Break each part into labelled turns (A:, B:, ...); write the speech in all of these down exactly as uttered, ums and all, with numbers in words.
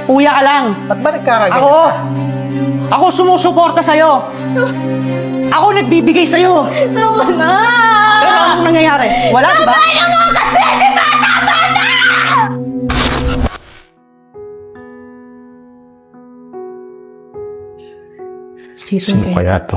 A: Kuya ka lang.
B: Ba't ba nagkakaganyan?
A: Ako! Ako sumusuporta sa'yo! Ako nagbibigay sa'yo!
C: Tama na!
A: Pero anong nangyayari? Wala, di ba?
C: Ano nga kasi? Di ba? Tama na!
B: Sino kaya to?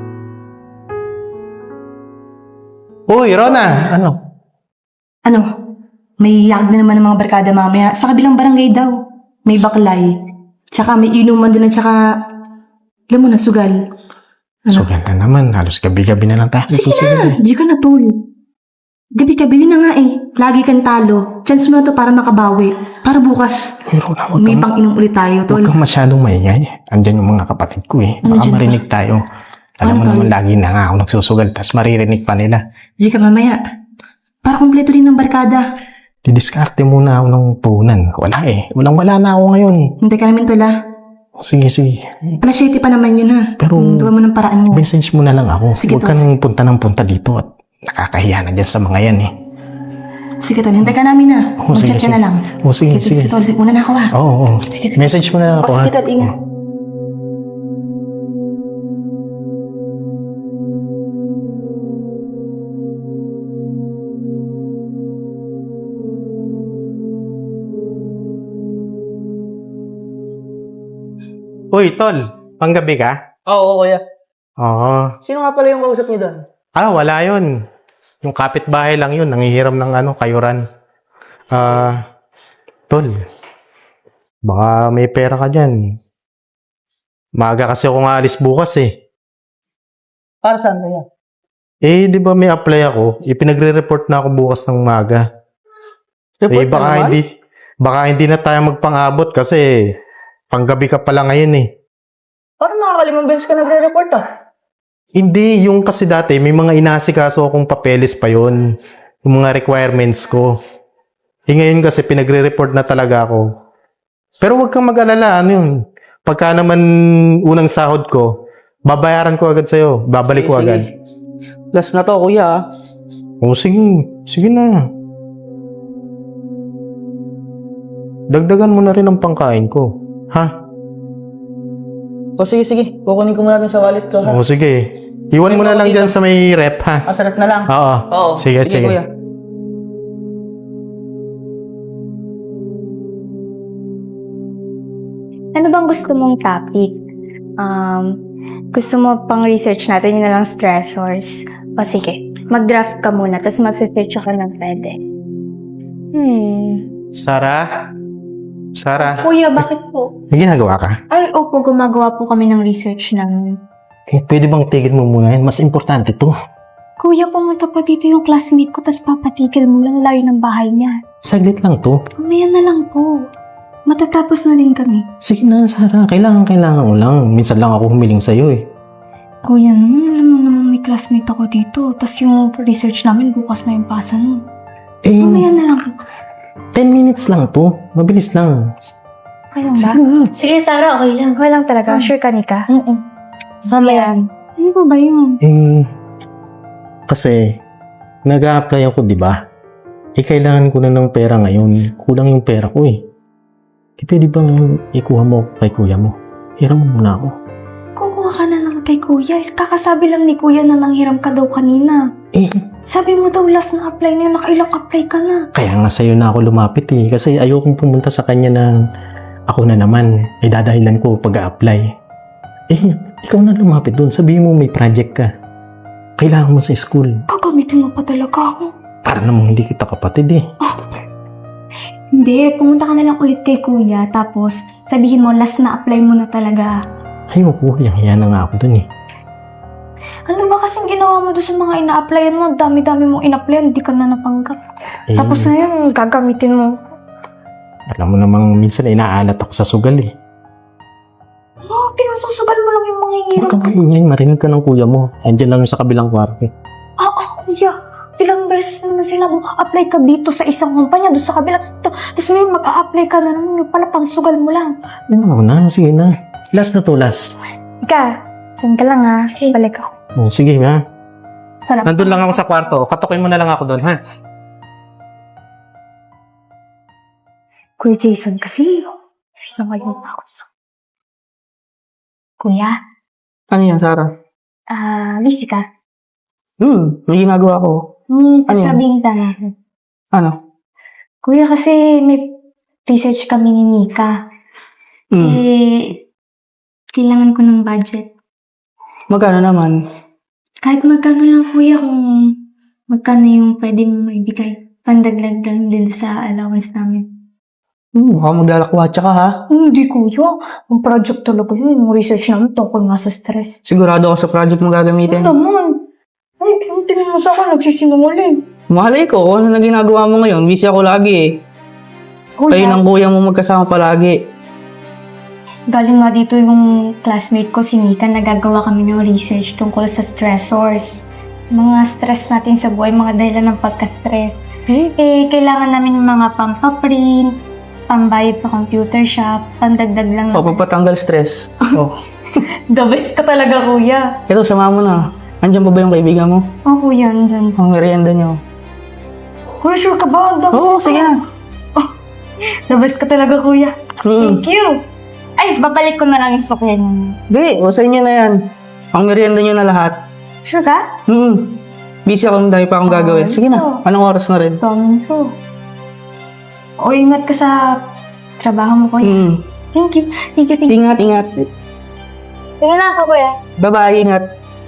B: Uy, Rona! Ano?
D: Ano? May yag na naman ng mga barkada mamaya. Sa kabilang barangay daw. May baklay. Tsaka may inuman din at tsaka... Alam mo na, sugal. Ano?
B: Sugal na naman. Halos gabi-gabi na lang tayo.
D: Sige na! Di ka na, tol. Gabi-gabi na nga eh. Lagi kang talo. Chance mo na to para makabawi. Para bukas.
B: Uy, Rona, huwag
D: May
B: kang,
D: pang inom ulit tayo, tol.
B: huwag kang masyadong maingay. Andyan yung mga kapatid ko eh. Baka
D: Andyan
B: marinig tayo. Alam
D: Ano,
B: mo
D: tol?
B: naman, lagi na nga ako nagsusugal. Tapos maririnig pa nila.
D: Di ka mamaya. Para kumpleto rin ng barkada.
B: Didiskarte muna ako ng puhunan. Wala eh. Walang-wala na ako ngayon.
D: Hintay ka namin, tol, ha?
B: Sige, sige.
D: Alas siyete pa naman yun, ha?
B: Pero-
D: Gawa mo ng paraan mo.
B: Message mo na lang ako.
D: Sige,
B: Huwag ka
D: tol.
B: nang punta ng punta dito at nakakahiya na dyan sa mga yan eh.
D: Sige, tol. Hintay ka namin, ha?
B: Oo, sige,
D: Mag-chat ka
B: sige.
D: na lang.
B: Oo, sige, sige.
D: Tol, una na ako, ha?
B: Oo, oo. Message mo na ako
D: O,
B: ha.
D: sige, tol. Ingat.
B: Uy, tol. Panggabi ka?
A: Oo, kuya.
B: Oo.
A: Sino nga pala yung kausap niyo doon?
B: Ah, wala yun. Yung kapitbahay lang yun. Nangihiram ng ano, kayuran. Ah, tol. Baka may pera ka dyan. Maaga kasi ako nga alis bukas eh.
A: Para saan kuya?
B: Eh, di ba may apply ako? Ipinagre-report na ako bukas ng maga.
A: Report
B: Eh, baka
A: na naman?
B: hindi, baka hindi na tayo magpang-abot kasi panggabi ka pala ngayon eh.
A: Parang nakakalimang beses ka nagre-report ah.
B: Hindi, yung kasi dati may mga inasikaso akong papeles pa yon, yung mga requirements ko. Eh ngayon kasi pinagre-report na talaga ako. Pero wag kang mag-alala, ano yun. Pagka naman unang sahod ko, babayaran ko agad sa'yo. Babalik ko
A: Sige,
B: agad.
A: sige. Last na to kuya ah.
B: O sige, sige na. Dagdagan mo na rin ang pangkain ko. Ha?
A: O sige, sige. Kukunin ko muna dun sa wallet ko ha.
B: O sige. Iwan mo na lang dyan sa may rep ha.
A: Ah, sarap na lang.
B: Oo.
A: Oo.
B: Sige, sige.
A: kuya.
C: Ano bang gusto mong topic? Um, gusto mo pang research natin yun na lang stressors? O sige, mag-draft ka muna, tapos mag-search ka ng pwede. Hmm.
B: Sara? Sara?
C: Kuya, bakit po?
B: May ginagawa ka?
C: Ay, opo, gumagawa po kami ng research namin.
B: Eh, pwede bang tigil mo muna yan? Mas importante to.
C: Kuya, pumunta pa dito yung classmate ko, tapos papatigil mo lang layo ng bahay niya.
B: Saglit lang to.
C: Mamaya na lang po. Matatapos na din kami.
B: Sige na, Sara. Kailangan, kailangan ko lang. Minsan lang ako humiling sa'yo eh.
C: Kuya, naman, alam mo naman may classmate ako dito, tapos yung research namin bukas na yung pasa nun.
B: Eh,
C: Mamaya na lang po.
B: ten minutes lang to. Mabilis lang.
C: Okay lang ba?
B: Sige na.
C: Sige, Sarah, okay lang. Okay lang talaga. Sure ka, Nika? Oo. Mamaya. Ano ba ba yun?
B: Eh, kasi, nag-a-apply ako, di ba? Eh, kailangan ko na ng pera ngayon. Kulang yung pera ko eh. Eh, pwede bang ikuha mo kay kuya mo? Hiram mo muna ako.
C: Kumuha ka na lang kay Kuya. Kakasabi lang ni Kuya na nanghiram ka daw kanina.
B: Eh,
C: Sabi mo daw last na apply na yun, nakailang apply ka na.
B: kaya nga sa'yo na ako lumapit eh. Kasi ayokong pumunta sa kanya ng ako na naman. Ay dadahilan ko pag-a-apply. Eh, ikaw na lumapit doon. Sabihin mo may project ka. Kailangan mo sa school.
C: Gagamitin mo pa talaga ako.
B: Para namang hindi kita kapatid eh.
C: Hindi, pumunta ka na lang ulit kay Kuya, tapos sabihin mo last na apply mo na talaga.
B: Ayoko, yang-hiya na nga ako dun eh.
C: Ano ba kasing ginawa mo doon sa mga ina-applyan mo? Dami-dami mong in-applyan, hindi ka na napanggap.
B: Eh,
C: Tapos na yun, gagamitin mo.
B: alam mo namang minsan inaalat ako sa sugal eh.
C: Oh, pinasusugal mo lang yung mga
B: Huwag
C: hirap.
B: kang maingay, marinig ka ng kuya mo. Andiyan lang yung sa kabilang kwarto.
C: Ah, ah, Kuya. Ilang beses na sila apply ka dito sa isang kumpanya, doon sa kabila. Tapos ngayon mag-a-apply ka na naman, yung pala pansugal mo lang.
B: Ano na, sige na. Last na to, last.
C: Ika, dyan ka lang ha. Balik ako.
B: Oh, sige ha.
C: Sarap.
B: Nandun lang ako sa kwarto. Katukin mo na lang ako doon, ha?
C: Kuya Jason kasi, Sino ngayon ako? Kuya,
A: Ano yan, Sarah?
C: ah, busy ka?
A: Hmm, may ginagawa ko.
C: Hmm,
A: Ano yan?
C: sasabihin ka nga.
A: Ano?
C: Kuya, kasi may research kami ni Nika.
A: Hmm,
C: Eh, kailangan ko ng budget.
A: magkano naman?
C: Kahit magkano lang, kuya, kung magkano yung pwede mo maibigay. Pandaglag lang din sa allowance namin.
A: Hmm, baka maglalakwatsa ka ha?
C: Hindi, kuya. Ang project talaga yun. Yung research namin tungkol nga sa stress.
A: Sigurado ako sa project mo gagamitin.
C: Ano naman? Ay, tingnan mo sa akin, nagsisinungaling.
A: Malay ko, kung ano na ginagawa mo ngayon, busy ako lagi eh. Kayo
C: Kuya,
A: ng kuya mo magkasama palagi.
C: galing nga dito yung classmate ko, si Nika, nagagawa kami ng research tungkol sa stressors. Mga stress natin sa buhay, mga dahilan ng pagka-stress.
A: Eh?
C: Eh, kailangan namin ng mga pampaprint, pambayad sa computer shop, pandagdag lang.
A: Papapatanggal stress. Oh.
C: The best ka talaga, kuya.
A: Pero sama mo na. Andiyan pa ba yung kaibigan mo?
C: Oh, kuya, nandyan.
A: Ang merienda niyo.
C: Kuya, sure ka ba? The,
A: Oo, sige na.
C: the best ka talaga, kuya.
A: Hmm.
C: Thank you. Ay, babalik ko na lang yung sukyan niyo.
A: Di, o sa inyo na yan. Ang merienda niyo na lahat.
C: Sure ka?
A: Hmm. Busy ako, dahil pa akong gagawin. Sige na,
C: so-
A: anong oras na rin?
C: Promise ko. O, ingat ka sa trabaho mo, kuya.
A: Hmm.
C: Thank you. Thank you, thank you.
A: Ingat, ingat.
C: Tingnan na ako, kuya.
A: Bye-bye, ingat.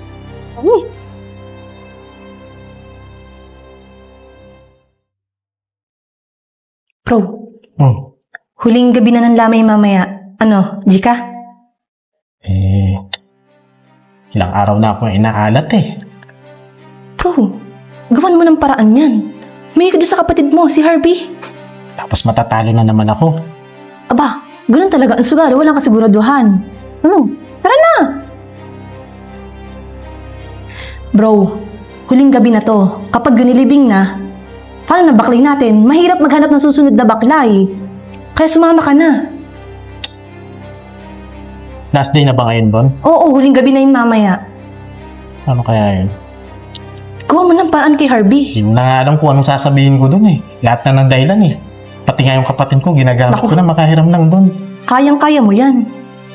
D: Bro,
B: Hmm.
D: huling gabi na ng lamay mamaya. Ano, Jika?
B: Eh, ilang araw na ako inaalat eh.
D: Bro, gawan mo ng paraan yan. May ka doon sa kapatid mo, si Harvey.
B: Tapos matatalo na naman ako.
D: Aba, ganun talaga ang sugal. Walang kasiguraduhan. Ano? Tara na! Bro, huling gabi na to. Kapag gunilibing na, paano na baklay natin? Mahirap maghanap ng susunod na baklay. Kaya sumama ka na.
B: Last day na ba ngayon, Bon?
D: Oo, huling gabi na yun mamaya.
B: Ano kaya yun?
D: Gawa mo ng paraan kay Harvey.
B: Hindi mo na nga alam kung anong sasabihin ko dun eh. Lahat na ng dahilan eh. Pati nga yung kapatid ko, ginagamit
D: Naku.
B: ko na makahiram lang dun.
D: Kayang-kaya mo yan.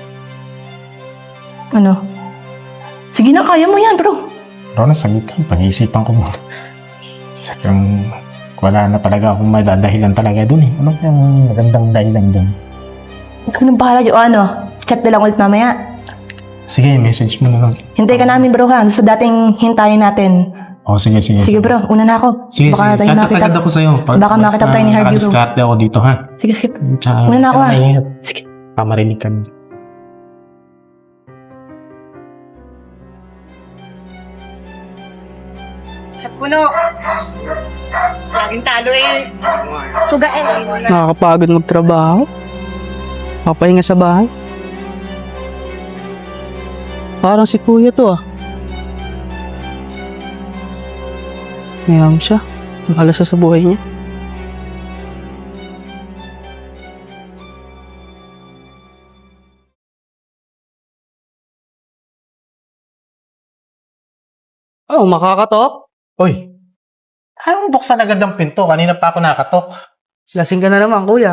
D: Ano? Sige na, kaya mo yan, bro.
B: Pero nasagot lang, pag-iisipan ko muna. Sabi wala na talaga akong madadahilan talaga dun eh. Ano yung magandang dahilan dun?
D: Ikaw nang bahala yung ano. Chat na lang ulit mamaya.
B: Sige, message mo na lang.
D: Hintay ka namin, bro, ha? Sa dating hintayin natin.
B: Oh, sige, sige.
D: Sige, bro. Una na ako.
B: Sige,
D: Baka
B: sige.
D: tayo
B: Chat
D: makita.
B: agad ako sa'yo. Pag,
D: Baka makita tayo ni Harvey, bro.
B: Nakadiskarte ako dito, ha?
D: Sige, sige.
B: Tsaka,
D: Una na ako, ah.
B: maingat.
D: Sige.
B: Baka marinig ka.
E: Sa puno. Laging talo eh. Tuga eh.
A: Nakakapagod magtrabaho. Papahinga sa bahay. Parang si kuya to ah. Mayroon siya. Bahala siya sa buhay niya. Oh, makakatok?
B: Uy! Ayaw mo buksan agad ang pinto. Kanina pa ako nakatok.
A: Lasing ka na naman, kuya.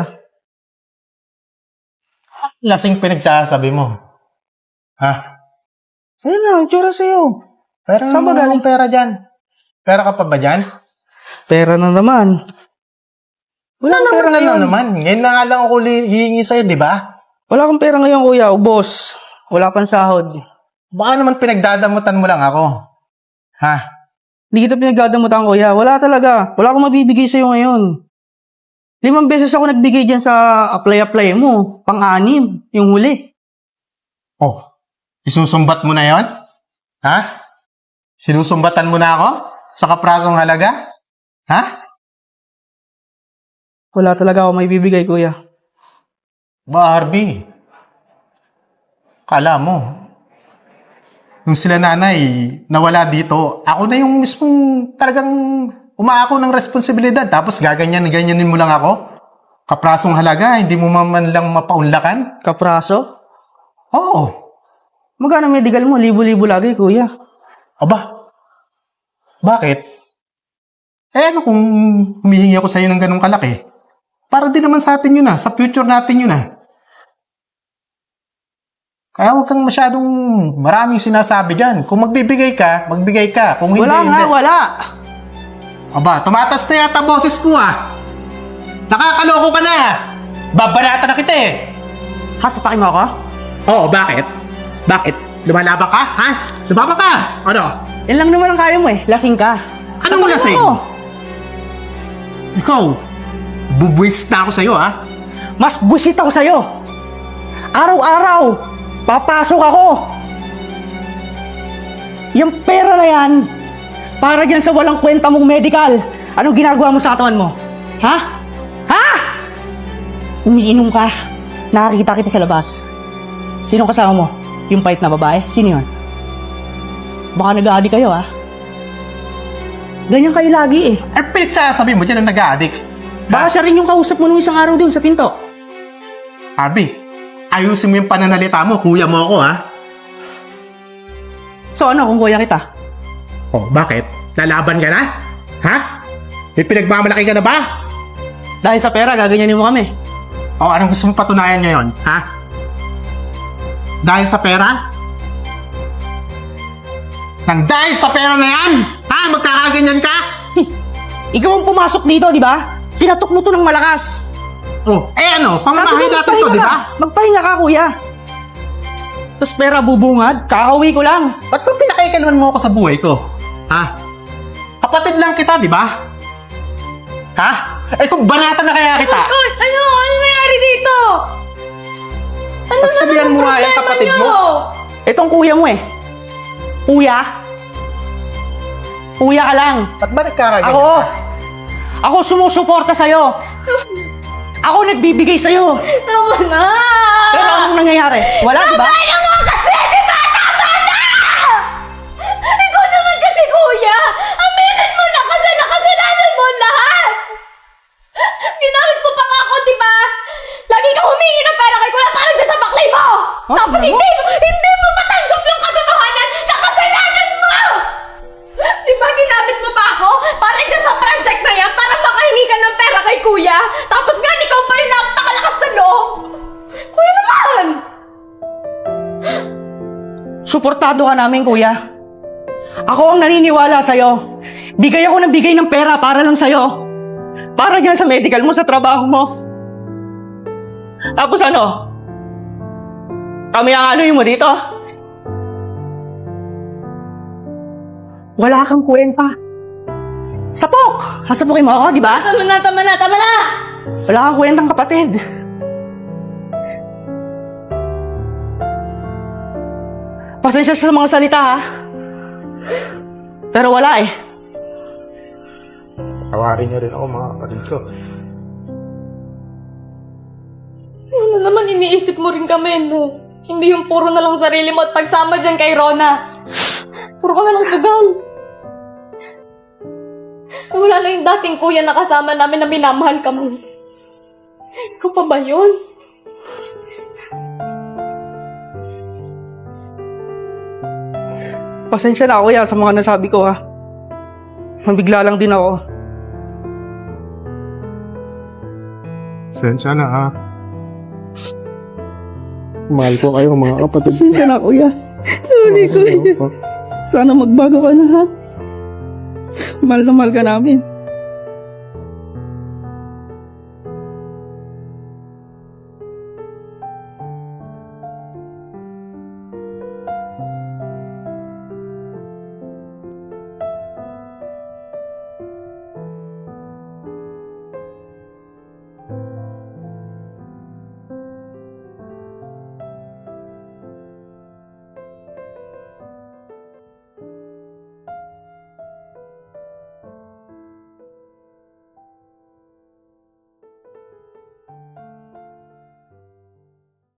B: Lasing pinagsasabi mo. Ha?
A: Ayun na, ang tsura sa'yo.
B: Pera
A: Saan ba galing?
B: pera dyan? Pera ka pa ba dyan?
A: Pera na naman. Wala
B: Ano
A: kang pera
B: naman na
A: ngayon.
B: naman? Ngayon na nga lang ako li- hihingi sa'yo, di ba?
A: Wala kang pera ngayon, kuya. Ubos. Wala pang sahod.
B: Baka naman pinagdadamutan mo lang ako. Ha?
A: Hindi kita pinagdadamutan, kuya. Wala talaga. Wala akong mabibigay sa'yo ngayon. Limang beses ako nagbigay dyan sa apply-apply mo. Pang-anim. Yung huli.
B: Oh, isusumbat mo na yon? Ha? Sinusumbatan mo na ako? Sa kaprasong halaga? Ha?
A: Wala talaga ako maibibigay, kuya.
B: Ba, Harvey? Kala mo, yung sila nanay nawala dito, ako na yung mismong talagang umaako ng responsibilidad. Tapos gaganyan-ganyanin mo lang ako? Kaprasong halaga, hindi mo man lang mapaunlakan?
A: Kapraso?
B: Oo.
A: Magkano medical mo? Libo-libo lagi, kuya.
B: Aba, bakit? Eh ano kung humihingi ako sa'yo ng ganong kalaki? Para din naman sa atin yun ah, sa future natin yun ah. Kaya huwag kang masyadong maraming sinasabi dyan. Kung magbibigay ka, magbigay ka. Kung hindi,
A: Wala nga,
B: hindi.
A: wala.
B: Aba, tumatas na yata boses mo ah. Nakakaloko ka na. Babarata na kita eh.
A: Hasapakin mo ako?
B: Oo, bakit? Bakit? Lumalaban ka? Ha? Lumaba ka? Ano?
A: Yan lang naman ang kaya mo eh. Lasing ka.
B: Anong
A: Sapakin
B: lasing?
A: mo ako.
B: Ikaw, bubuwis na ako sa'yo ha?
A: Mas busit ako sa'yo. Araw-araw, papasok ako. Yung pera na yan, para dyan sa walang kwenta mong medical. Anong ginagawa mo sa katawan mo? Ha? Ha? Umiinom ka. Nakakita kita sa labas. Sino kasama mo? Yung pait na babae? Sino yun? Baka nag-aadi kayo ha? Ganyan kayo lagi eh.
B: Eh, pinagsasabi mo dyan ang nag-addict.
A: Baka siya rin yung kausap mo nung isang araw dun sa pinto.
B: Abi, ayusin mo yung pananalita mo. Kuya mo ako ha?
A: So ano kung kuya kita?
B: Oh, bakit? Lalaban ka na? Ha? May pinagmamalaki ka na ba?
A: Dahil sa pera, gaganyanin mo kami.
B: O, anong gusto mong patunayan ngayon? Ha? Dahil sa pera? Nang dahil sa pera na yan? Ha? Magkakaganyan ka?
A: Ikaw ang pumasok dito, di ba? Pinatok mo to ng malakas.
B: Oh, eh ano?
A: Sabi
B: Pangamahay
A: ko,
B: natin to,
A: magpahinga
B: di ba?
A: ka. Magpahinga ka, kuya. Tapos pera bubungad, kakauwi ko lang.
B: Ba't ba pinakaikalman mo ako sa buhay ko? Ha? Kapatid lang kita, di ba? Ha? Eh kung banata na kaya kita,
D: Ay, ano? Ano nangyari dito? Ano
B: pagsabihan mo nga yung kapatid mo.
A: Itong kuya mo eh. Kuya? Kuya ka lang.
B: Ba't ba nagkakaganyan
A: Ako.
B: ka?
A: Ako sumusuporta sa'yo. Ako nagbibigay sa'yo.
D: Tama na!
A: Pero anong nangyayari? Wala, di ba?
D: Ano mo kasi, di ba? Tama na! Ikaw naman kasi, kuya! Aminin mo na kasi nakasalanan mo lahat! Ginamit mo pa nga ako, di ba? Lagi ka humingi ng pera kay kuya para sa baklay mo!
A: Oh,
D: Tapos
A: ano?
D: hindi mo, hindi mo matanggap yung katotohanan na kasalanan mo! Di ba ginamit mo pa ako para dyan sa project na yan para makahingi ka ng pera kay kuya? Tapos nga, ikaw pa yung napakalakas na loob! Kuya naman!
A: Suportado ka namin, kuya. Ako ang naniniwala sa'yo. Bigay ako ng bigay ng pera para lang sa'yo. Para dyan sa medical mo, sa trabaho mo. Tapos ano? Kami ang ano mo dito? Wala kang kwenta. Sapok! Hasapokin mo ako, di ba?
D: Tama na, tama na, tama na!
A: Wala kang kwentang kapatid. Pasensya sa mga salita ha. Pero wala eh.
B: Tawarin niyo rin ako mga kapatid ko.
D: Ano naman iniisip mo rin kami, no? Hindi yung puro na lang sarili mo at pagsama dyan kay Rona. Puro ka na lang sugal. Wala na yung dating kuya na kasama namin na minamahal ka mo. Ikaw pa ba yun?
A: Pasensya na kuya sa mga nasabi ko ha. Mabigla lang din ako.
B: Sensya na ha. Mahal ko kayo mga kapatid.
A: Pasensya na kuya. Sorry kuya. Sana magbago ka na ha. Mahal na mahal ka namin.